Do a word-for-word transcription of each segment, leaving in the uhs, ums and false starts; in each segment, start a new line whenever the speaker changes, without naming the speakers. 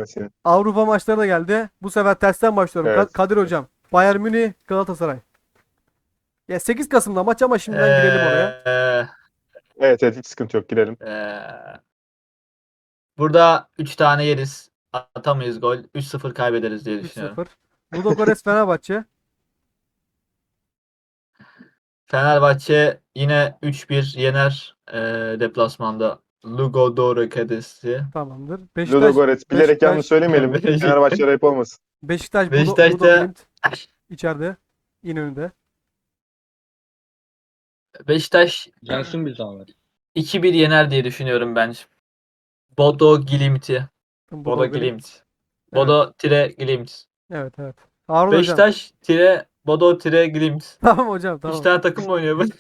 ben seni.
Avrupa maçları da geldi. Bu sefer tersten başlıyorum. Ka-
Evet.
Kadir hocam. Bayern Münih, Galatasaray. Ya sekiz Kasım'da maç ama şimdiden girelim oraya.
Ee,
Evet evet hiç sıkıntı yok girelim.
ee, burada üç tane yeriz. Atamayız gol. üç sıfır kaybederiz diye
üç
düşünüyorum.
sıfır. Ludogorets Fenerbahçe.
Fenerbahçe yine üç bir yener ee, deplasmanda. Ludogorets'i.
Tamamdır. Beşiktaş,
Ludogorets bilerek
Beşiktaş,
yanlış söylemeyelim.
Beşiktaş.
Fenerbahçe ayıp olmasın.
Beşiktaş, Budo,
Beşiktaş
Budo
da-
Glimt içeride. İnönü'nde.
Beşiktaş
Gelsin bir zahmet.
iki bir yener diye düşünüyorum ben. Bodo Glimt'i.
Budo
Bodo
Glimt.
Glimt. Bodo tire Glimt.
Evet evet. Harun hocam.
Beşiktaş tire Bodo tire Glimt.
Tamam hocam
İki
tamam.
tane takım mı oynuyor bu?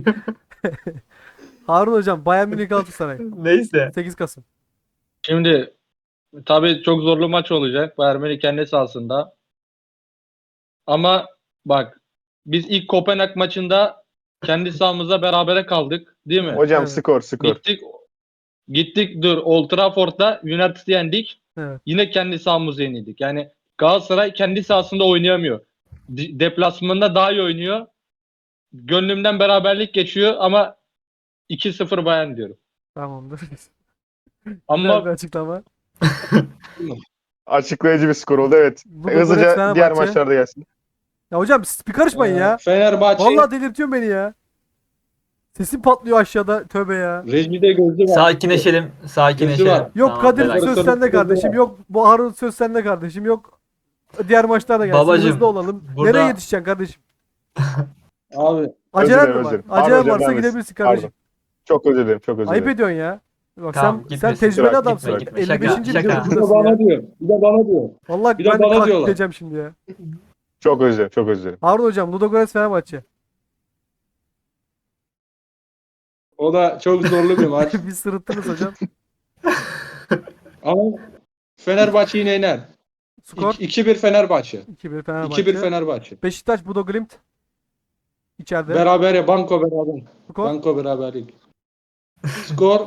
Harun hocam. Bayern Münih Galatasaray.
Neyse.
sekiz Kasım.
Şimdi tabii çok zorlu maç olacak. Bayern Münih kendi sahasında. Ama bak biz ilk Kopenhag maçında kendi sahamızda berabere kaldık, değil mi?
Hocam
Evet.
skor skor.
Gittik gittik dur Old Trafford'da United'ı yendik.
Evet.
Yine kendi sahamızda yenildik. Yani Galatasaray kendi sahasında oynayamıyor. De- deplasmanda daha iyi oynuyor. Gönlümden beraberlik geçiyor ama iki sıfır Bayern diyorum.
Tamamdır. Güzel bir
Ama
açıklama.
Açıklayıcı bir skor oldu evet.
Ludogorets
Hızlıca
Fenerbahçe.
diğer maçlarda gelsin.
Ya hocam siz bir karışmayın
e,
ya.
Fenerbahçe
Vallahi delirtiyorsun beni ya. Sesim patlıyor aşağıda. Tövbe ya.
rejide gözü var.
Sakinleşelim. Sakinleşelim.
Gözü var.
Yok
Tamam,
Kadir
relax.
söz
Sorun-
sende
sorun-
kardeşim.
sorun-
Yok bu Harun söz sende kardeşim. Yok diğer maçlar da gelsin.
Babacım,
Hızlı olalım.
burada-
Nereye yetişeceksin kardeşim?
Abi
Acelen
dilerim,
mi
özür
var?
dilerim. Pardon
Acelen
hocam,
varsa
devam etsin.
gidebilirsin kardeşim.
Çok özür dilerim çok özür
Ayıp
dilerim.
ediyorsun ya. Bak
Tamam,
sen sen
gitmesin.
tecrübeli
Gitme,
adamsın.
gitme.
elli
Şaka,
beşinci
şaka.
bir de
videodasın ya.
bana diyor. Bir de bana diyor.
Vallahi
bir de
ben
bana
kalk
diyorlar.
gideceğim şimdi ya.
Çok özür dilerim çok özür dilerim.
Harun hocam Ludogorets Fenerbahçe.
O da çok zorlu bir maç.
Bir sırıttınız hocam.
Ama Fenerbahçe yine yener.
Skor
iki bir Fenerbahçe.
iki bir Fenerbahçe.
iki bir Fenerbahçe.
Beşiktaş Budo Glimt. İçeride.
Beraber ya banko beraber.
Skor
Banko beraberlik. Skor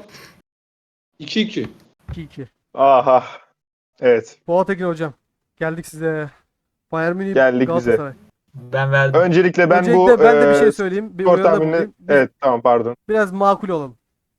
iki iki.
iki iki.
Aha. Evet.
Fuat Ekin hocam. Geldik size. Bayern Münih
Geldik bize.
Galatasaray.
Ben verdim.
Öncelikle ben
Öncelikle
bu
ben de bir
e,
şey söyleyeyim. Bir
skor
uyarıda
tahminini
bulunayım. Biz
evet tamam pardon.
biraz makul olalım.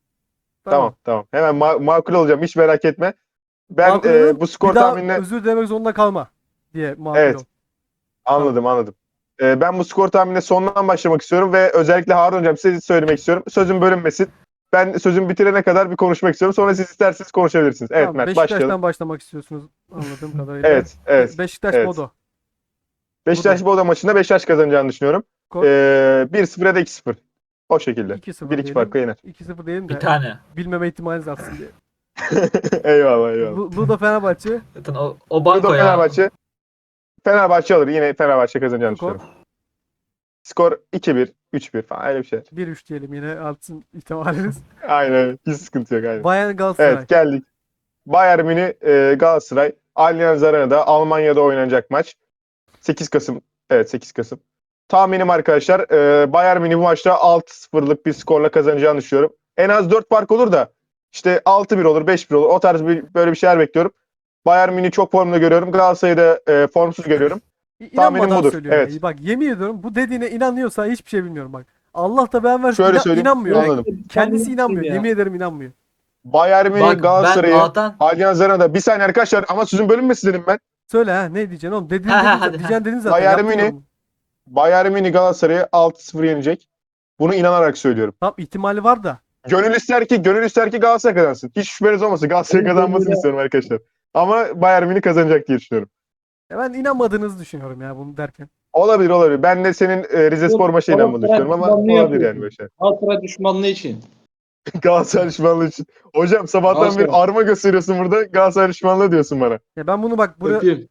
Tamam tamam. Hemen ma- makul olacağım hiç merak etme. Ben
Makul
e,
olalım,
bu skor
bir daha
tahminine
özür dilemek zorunda kalma diye makul
Evet.
ol.
anladım anladım. E, ben bu skor tahminine sondan başlamak istiyorum ve özellikle Harun hocam size söylemek istiyorum. Sözüm bölünmesin. Ben sözümü bitirene kadar bir konuşmak istiyorum. Sonra siz isterseniz konuşabilirsiniz. Evet
Tamam,
Mert
Beşiktaş'tan
başlayalım.
başlamak istiyorsunuz anladığım kadarıyla.
Evet evet.
Beşiktaş
evet.
Bodo.
Beşiktaş Bodo maçında Beşiktaş kazanacağını düşünüyorum.
Skor
E, bir sıfır ya da iki sıfır. O şekilde.
iki sıfır
bir iki
diyelim.
farkla yener.
iki sıfır diyelim de
Bir tane.
bilmeme ihtimaliniz artsın diye.
eyvallah eyvallah.
Lu- Ludo Fenerbahçe.
Zaten o, o banko
Ludo
ya.
Fenerbahçe. Fenerbahçe alır. Yine Fenerbahçe kazanacağını
Skor
düşünüyorum. Skor iki bir, üç bir falan öyle bir şey.
bir üç diyelim yine artsın ihtimaliniz.
Aynen. Hiç sıkıntı yok. Aynen.
Bayern Galatasaray.
Evet geldik. Bayern Münih e, Galatasaray. Allianz Arena'da Almanya'da oynanacak maç. sekiz Kasım. Evet sekiz Kasım. Tahminim arkadaşlar e, Bayern Münih bu maçta altı sıfırlık bir skorla kazanacağını düşünüyorum. En az dört fark olur da işte altı bir olur, beş bir olur. O tarz bir, böyle bir şeyler bekliyorum. Bayern Münih'i çok formda görüyorum. Galatasaray'ı da e, formsuz görüyorum.
İ-
tahminim
İnanmadan
budur,
söylüyorum.
evet.
ya. Bak yemin ediyorum bu dediğine inanıyorsa hiçbir şey bilmiyorum bak. Allah da ben versin
Şöyle
inan-
söyleyeyim.
inanmıyor. Yani
Anladım.
kendisi inanmıyor.
Ya.
Yemin ederim inanmıyor.
Bayern Münih
Bak ben
Galatasaray'ı
A'dan
Allianz Arena'da bir saniye arkadaşlar ama sözün bölünmesin dedim ben.
Söyle ha ne diyeceksin oğlum? Dediğin,
Ha, ha,
dedin,
hadi,
diyeceğin dedin zaten.
Bayern
yaptın
Münih-
yorumu.
Bayern Münih Galatasaray'ı altı sıfır yenecek. Bunu inanarak söylüyorum.
Tamam ihtimali var da.
Gönül ister ki, gönül ister ki Galatasaray kazansın. Hiç şüpheniz olmasın. Galatasaray
Benim
kazanmasını
gönlüme-
istiyorum arkadaşlar. Ama Bayern Münih kazanacak diye düşünüyorum.
Ya ben inanmadığınızı düşünüyorum ya bunu derken.
Olabilir olabilir. Ben de senin e, Rize Spor maçına
Galatasaray
inanmadığını düşünüyorum ama
düşmanlığı
olabilir yani
yapıyorsun.
böyle şey.
Galatasaray düşmanlığı için.
Galatasaray düşmanlığı için. Hocam sabahtan
Galatasaray.
bir arma gösteriyorsun burada. Galatasaray düşmanlığı diyorsun bana.
Ya ben bunu bak buraya
Öpeyim.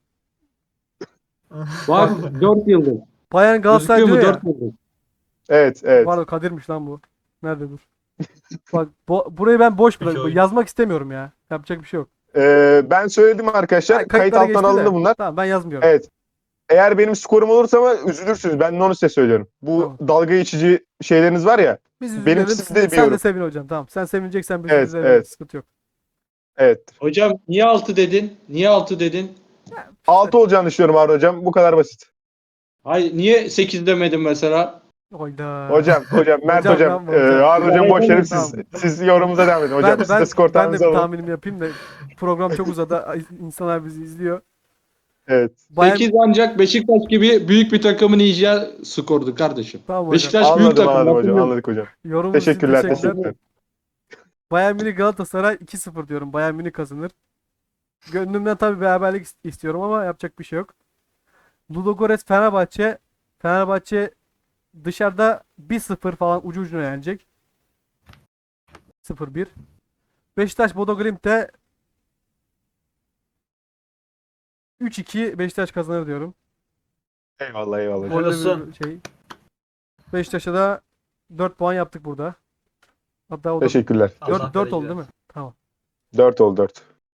Bak dört yıldız.
Bayern Galatasaray
Gözüküyor mu
diyor ya.
dört yıldız?
Evet evet.
Pardon Kadir'miş lan bu. Nerede dur. Bak bo- burayı ben boş bırakıyorum.
oyun.
Yazmak istemiyorum ya. Yapacak bir şey yok.
Ee, ben söyledim arkadaşlar.
Ha,
Kayıt
kayıtlara
alttan
geçti de.
alındı bunlar.
Tamam ben yazmıyorum.
Evet. Eğer benim skorum olursa ama üzülürsünüz. Ben de onu size söylüyorum. Bu
Tamam.
dalga geçici şeyleriniz var ya.
Biz
benim
üzülelim.
sizi
Siz
de
de, sen de
biliyorum.
sevin hocam. Tamam. Sen sevineceksen biz
Evet,
üzülelim.
evet.
Sıkıntı yok.
Evet.
Hocam niye altı dedin? Niye altı dedin?
altı olacağını düşünüyorum Harun hocam. Bu kadar basit.
Hayır niye sekiz demedin mesela?
Oyda.
Hocam, hocam, Mert
Hocam,
hocam,
tamam,
e,
hocam.
Harun hocam boş verin siz,
Tamam.
siz yorumunuza devam edin hocam.
ben
Siz
ben
de skor
ben de
tahmininizi
bir
alın.
tahminimi yapayım da program çok uzadı. İnsanlar bizi izliyor.
Evet.
Bayern
sekiz ancak Beşiktaş gibi büyük bir takımın yiyeceği skordu kardeşim.
Tamam hocam.
Beşiktaş büyük
Anladım,
takım.
anladım hocam,
hatırlıyorum.
anladık hocam.
Yorumunuz için
Teşekkürler,
teşekkürler.
teşekkürler.
Bayern Münih Galatasaray iki sıfır diyorum. Bayern Münih kazanır. Gönlümden tabii beraberlik ist- istiyorum ama yapacak bir şey yok. Ludogorets Fenerbahçe. Fenerbahçe dışarıda bir sıfır falan ucu ucuna yenecek. sıfır bir. Beşiktaş Bodo Glimt'te üç iki Beşiktaş kazanır diyorum.
Eyvallah, eyvallah. hocam.
Gollü
olsun.
bir şey. Beşiktaş'a da dört puan yaptık burada. Hatta o da
Teşekkürler.
Allah
dört, dört oldu
bereket
değil mi? Tamam.
dört oldu, dört.